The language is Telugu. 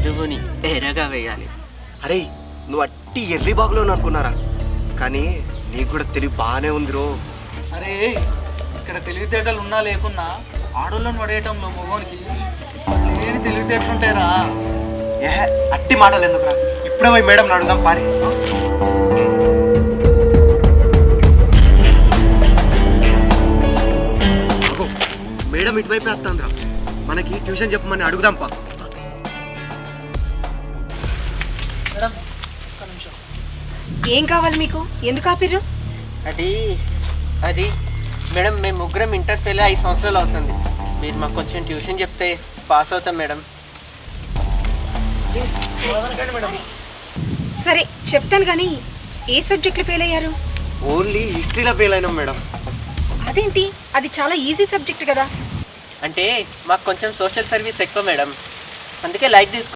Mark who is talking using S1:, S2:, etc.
S1: చదువుని ఎరగా వేయాలి.
S2: అరే నువ్వు అట్టి ఎర్రి బాగులో అనుకున్నారా, కానీ నీకు కూడా తెలివి బాగానే ఉంది రో.
S3: అరే ఇక్కడ తెలివితేటలు ఉన్నా లేకున్నా ఆడోళ్ళని పడేయటంలో మగోనికి లేని తెలివితేటలు ఉంటాయిరా.
S2: ఏ అట్టి మాటలు ఎందుకురా, ఇప్పుడే పోయి మేడం అడుగుదాం పారి. మేడం ఇటువైపు వేస్తాంద్రా, మనకి ట్యూషన్ చెప్పమని అడుగుదాం పా.
S3: మేడం ఒక్క నిమిషం.
S4: ఏం కావాలి మీకు? ఎందుకు ఆపిర్రు?
S1: అది మేడం, మేము ముగ్గురం ఇంటర్ ఫెయిల్ 5 సంవత్సరాలు అవుతుంది. మీరు మాకు కొంచెం ట్యూషన్ చెప్తే పాస్ అవుతాం మేడం.
S3: Please వదలకండి madam.
S4: సరే చెప్తాను, కానీ ఏ సబ్జెక్టులు ఫెయిల్ అయ్యారు?
S2: ఓన్లీ హిస్టరీలో ఫెయిల్ అయినాం మేడం.
S4: అదేంటి, అది చాలా ఈజీ సబ్జెక్ట్ కదా.
S1: అంటే మాకు కొంచెం సోషల్ సర్వీస్ ఎక్కువ మేడం, అందుకే లైట్ తీసుకు